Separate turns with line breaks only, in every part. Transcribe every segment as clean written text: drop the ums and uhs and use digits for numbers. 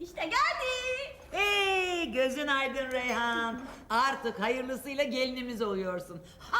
İşte geldi.
Hey, gözün aydın Reyhan. Artık hayırlısıyla gelinimiz oluyorsun.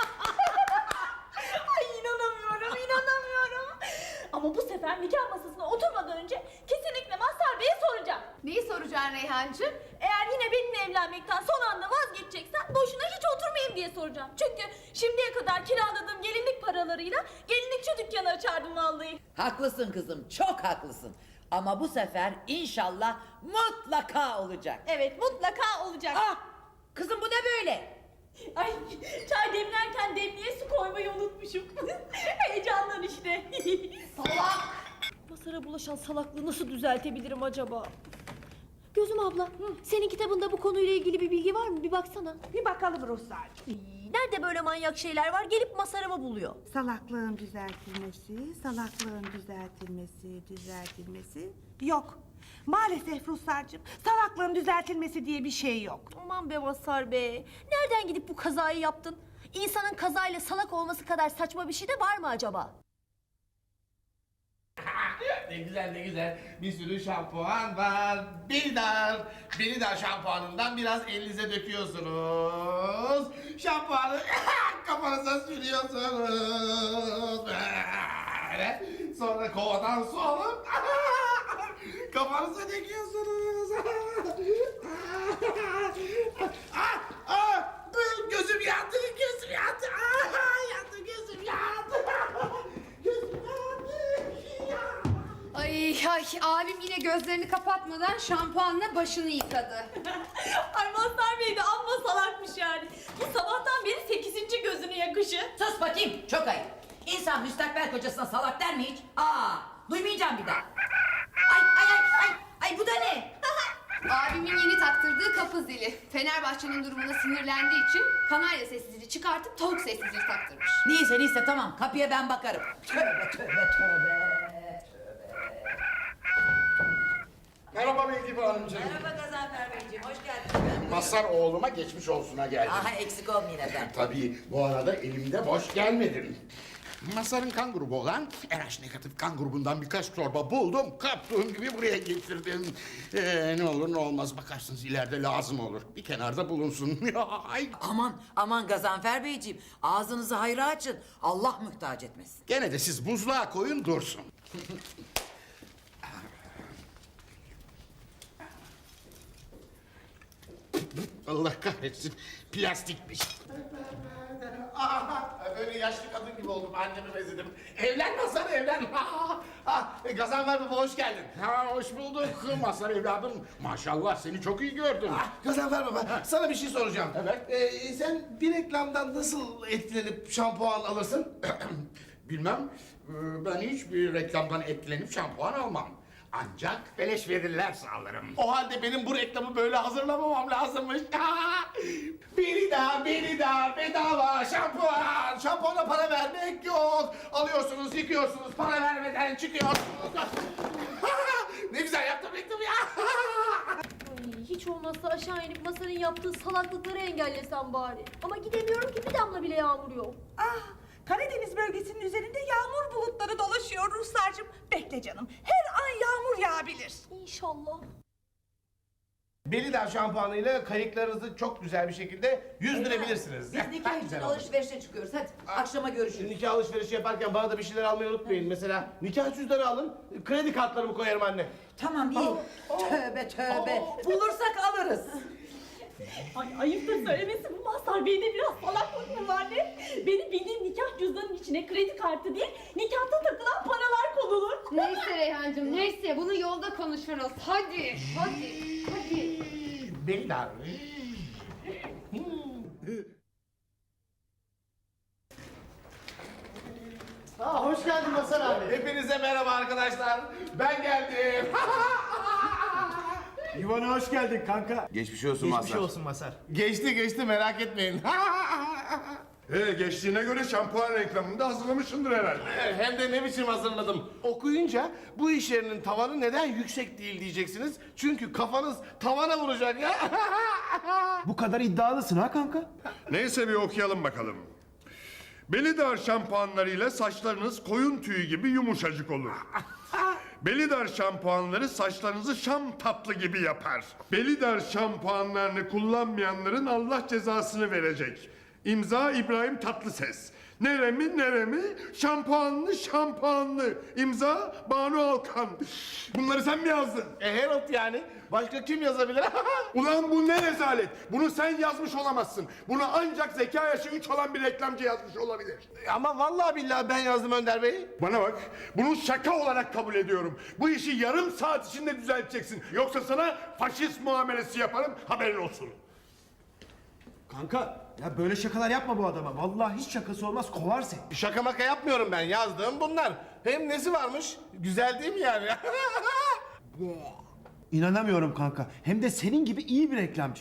Ay inanamıyorum, inanamıyorum. Ama bu sefer nikah masasına oturmadan önce kesinlikle Mazhar Bey'e soracağım.
Neyi soracaksın Reyhancığım?
Eğer yine benimle evlenmekten son anda vazgeçeceksen boşuna hiç oturmayayım diye soracağım. Çünkü şimdiye kadar kiraladığım gelinlik paralarıyla gelinlikçi dükkanı açardım vallahi.
Haklısın kızım, çok haklısın. Ama bu sefer inşallah mutlaka olacak.
Evet, mutlaka olacak.
Ah, kızım bu ne böyle?
Ay, çay demlerken demliğe su koymayı unutmuşum. Heyecandan işte.
Salak!
Masara bulaşan salaklığı nasıl düzeltebilirim acaba? Gözüm abla, senin kitabında bu konuyla ilgili bir bilgi var mı? Bir baksana.
Bir bakalım Ruhsar'cığım.
Nerede böyle manyak şeyler var? Gelip Masarımı buluyor.
Salaklığın düzeltilmesi yok. Maalesef Ruhsar'cığım, salaklığın düzeltilmesi diye bir şey yok.
Aman be Mazhar be. Nereden gidip bu kazayı yaptın? İnsanın kazayla salak olması kadar saçma bir şey de var mı acaba?
Ne güzel ne güzel. Bir sürü şampuan var. Belidar şampuanından biraz elinize döküyorsunuz. Şampuanı kafanıza sürüyorsunuz. Böyle. Sonra kovadan su alıp kafanıza döküyorsunuz. Gözüm yandı, gözüm yandı. Yandı, gözüm yandı. Gözüm yandı.
Ay abim yine gözlerini kapatmadan şampuanla başını yıkadı.
Ay Mazhar Bey de amma salakmış yani. Bu sabahtan beri 8. gözünü yakışı.
Sus bakayım, çok ayıp. İnsan müstakbel kocasına salak der mi hiç? Duymayacağım bir daha. Ay bu da ne?
Abimin yeni taktırdığı kapı zili. Fenerbahçe'nin durumuna sinirlendiği için kanarya sessizliği çıkartıp tavuk sessizliği taktırmış.
Neyse tamam, kapıya ben bakarım. Tövbe.
Merhaba Melike Hanımcığım.
Merhaba Gazanfer Beyciğim, hoş geldiniz.
Mazhar oğluma geçmiş olsuna geldim.
Eksik olmayın efendim.
Tabii bu arada elimde boş gelmedim. Mazhar'ın kan grubu olan RH negatif kan grubundan birkaç torba buldum. Kaptığım gibi buraya getirdim. Ne olur ne olmaz bakarsınız ileride lazım olur. Bir kenarda bulunsun. Ay.
Aman Gazanfer Beyciğim, ağzınızı hayra açın. Allah muhtaç etmesin.
Gene de siz buzluğa koyun dursun. Allah kahretsin. Plastikmiş. Böyle yaşlı kadın gibi oldum. Annemi benzedim. Evlen Mazhar evlen. Gazanfer baba hoş geldin. Hoş bulduk Mazhar evladım. Maşallah seni çok iyi gördüm.
Gazanfer baba, sana bir şey soracağım.
Evet.
Sen bir reklamdan nasıl etkilenip şampuan alırsın?
Bilmem. Ben hiçbir reklamdan etkilenip şampuan almam. Ancak beleş verirlerse alırım. O halde benim bu reklamı böyle hazırlamamam lazımmış. Belidar, bedava şampuan. Şampuana para vermek yok. Alıyorsunuz, yıkıyorsunuz, para vermeden çıkıyorsunuz. Ne güzel yaptım reklamı ya.
Ay, hiç olmazsa aşağı inip Mazhar'ın yaptığı salaklıkları engellesem bari. Ama gidemiyorum ki, bir damla bile yağmur yok.
Karadeniz bölgesinin üzerinde yağmur bulutları dolaşıyor Ruhsar'cığım. Bekle canım, her an yağmur yağabilir.
İnşallah.
Belidar şampuanıyla kayıklarınızı çok güzel bir şekilde yüzdürebilirsiniz.
Biz nikah için alışverişe çıkıyoruz. Hadi akşama görüşürüz.
Nikah alışverişi yaparken bana da bir şeyler almayı unutmayın. Mesela nikah cüzdanı alın, kredi kartlarımı koyarım anne.
Tamam iyi. Tövbe. Bulursak alırız.
Ay ayıptır söylemesi, bu Mazhar Bey'de biraz salaklık mı var ne? Benim bildiğim nikah cüzdanının içine kredi kartı değil, nikahta takılan paralar konulur.
Neyse Reyhancığım neyse bunu yolda konuşuruz. Hadi.
Belidar.
Hoş geldin Mazhar abi.
Hepinize merhaba arkadaşlar. Ben geldim.
Yuvana hoş geldin kanka.
Geçmiş olsun
Geçmiş olsun Masar.
Geçti merak etmeyin.
Geçtiğine göre şampuan reklamını da hazırlamışsındır herhalde.
Hem de ne biçim hazırladım. Okuyunca bu iş yerinin tavanı neden yüksek değil diyeceksiniz. Çünkü kafanız tavana vuracak ya.
Bu kadar iddialısın ha kanka?
Neyse bir okuyalım bakalım. Belidar şampuanlarıyla saçlarınız koyun tüyü gibi yumuşacık olur. Belidar şampuanları saçlarınızı şam tatlı gibi yapar. Belidar şampuanlarını kullanmayanların Allah cezasını verecek. İmza İbrahim Tatlıses. Neremi, şampuanlı. İmza Banu Alkan. Bunları sen mi yazdın?
Herald yani. Başka kim yazabilir?
Ulan bu ne rezalet? Bunu sen yazmış olamazsın. Bunu ancak zeka yaşı 3 olan bir reklamcı yazmış olabilir.
Ama vallahi billahi ben yazdım Önder Bey.
Bana bak, bunu şaka olarak kabul ediyorum. Bu işi yarım saat içinde düzelteceksin. Yoksa sana faşist muamelesi yaparım, haberin olsun.
Kanka ya böyle şakalar yapma bu adama. Vallahi hiç şakası olmaz, kovar seni.
Şaka maka yapmıyorum ben. Yazdığım bunlar. Hem nesi varmış? Güzel değil mi yani?
İnanamıyorum kanka. Hem de senin gibi iyi bir reklamcı.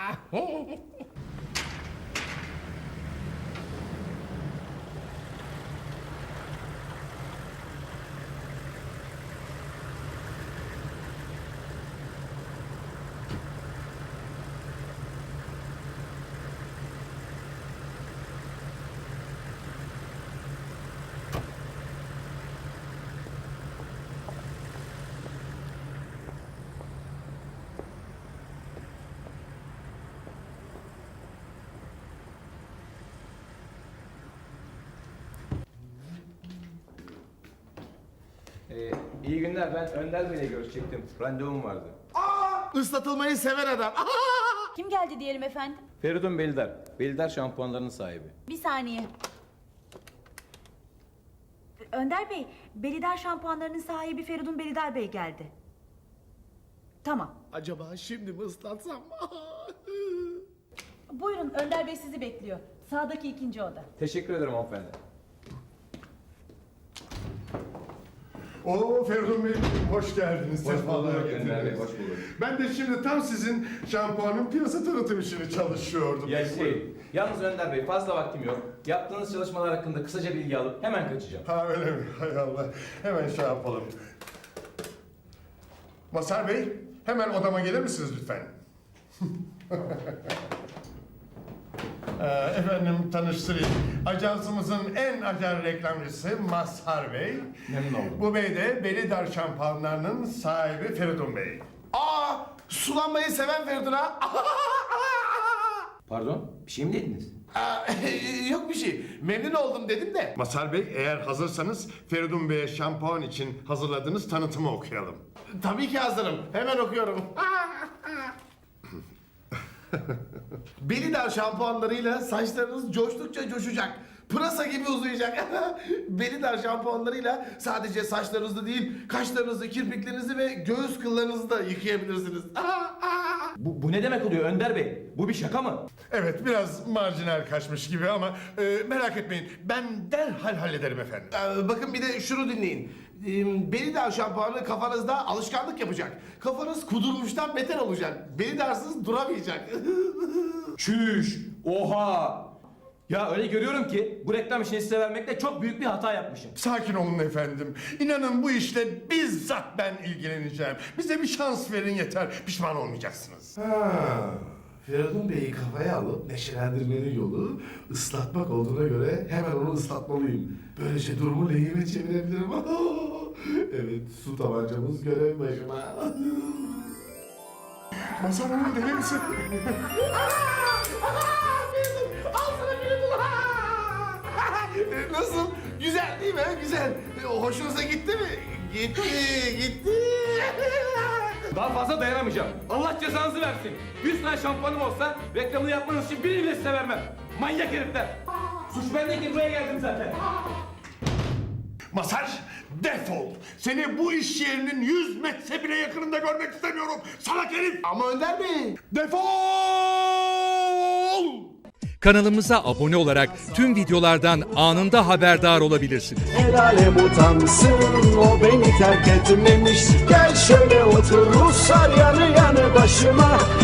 İyi günler, ben Önder Bey'le görüşecektim. Randevum vardı.
Islatılmayı seven adam.
Kim geldi diyelim efendim?
Feridun Belidar. Belidar şampuanlarının sahibi.
Bir saniye. Önder Bey, Belidar şampuanlarının sahibi Feridun Belidar Bey geldi. Tamam.
Acaba şimdi mi ıslatsam?
Buyurun, Önder Bey sizi bekliyor. Sağdaki ikinci oda.
Teşekkür ederim hanımefendi.
Oo Feridun Bey, hoş geldiniz.
Hoş
Sefalar
bulduk Önder Bey,
getirdiniz.
hoş bulduk.
Ben de şimdi tam sizin şampuanın piyasa tanıtım işini çalışıyordum.
Yalnız Önder Bey fazla vaktim yok. Yaptığınız çalışmalar hakkında kısaca bilgi alıp hemen kaçacağım.
Ha öyle mi? Hay Allah. Hemen şey yapalım. Mazhar Bey, hemen odama gelir misiniz lütfen? Efendim tanıştırayım. Ajansımızın en acar reklamcısı Mazhar Bey.
Memnun oldum.
Bu bey de Belidar şampuanlarının sahibi Feridun Bey.
Sulanmayı seven Feridun ha?
Pardon, bir şey mi dediniz?
Yok bir şey. Memnun oldum dedim de.
Mazhar Bey, eğer hazırsanız Feridun Bey'e şampuan için hazırladığınız tanıtımı okuyalım.
Tabii ki hazırım. Hemen okuyorum. Belidar şampuanlarıyla saçlarınız coştukça coşacak. Pırasa gibi uzayacak. Belidar şampuanlarıyla sadece saçlarınızı değil, kaşlarınızı, kirpiklerinizi ve göğüs kıllarınızı da yıkayabilirsiniz.
Bu ne demek oluyor Önder Bey? Bu bir şaka mı?
Evet, biraz marjinal kaçmış gibi ama merak etmeyin. Ben derhal hallederim efendim.
Bakın bir de şunu dinleyin. Belidar şampuanı kafanızda alışkanlık yapacak. Kafanız kudurmuştan beter olacak. Belidarsız duramayacak.
Çüş! Oha! Ya öyle görüyorum ki bu reklam işini size vermekte çok büyük bir hata yapmışım.
Sakin olun efendim. İnanın bu işle bizzat ben ilgileneceğim. Bize bir şans verin yeter. Pişman olmayacaksınız.
Feridun Bey'i kafaya alıp neşelendirmenin yolu ıslatmak olduğuna göre hemen onu ıslatmalıyım. Böylece durumu lehime çevirebilirim. Evet, su tabancamız görev başıma.
Mazhar Hanım deli misin?
Al sana Feridun. Nasıl? Güzel değil mi? Güzel. Hoşunuza gitti mi? Gitti.
Daha fazla dayanamayacağım. Allah cezanızı versin. 100 tane şampuanım olsa reklamını yapmanız için birini bile size vermem. Manyak herifler. Suç bendeki buraya geldim zaten.
Mazhar, defol. Seni bu iş yerinin 100 metre bile yakınında görmek istemiyorum. Salak herif.
Ama Önder Bey.
Defol!
Kanalımıza abone olarak tüm videolardan anında haberdar olabilirsiniz.
El alem utansın, o beni terk etmemiş. Gel şöyle otur Ruslar yanı yanı başıma.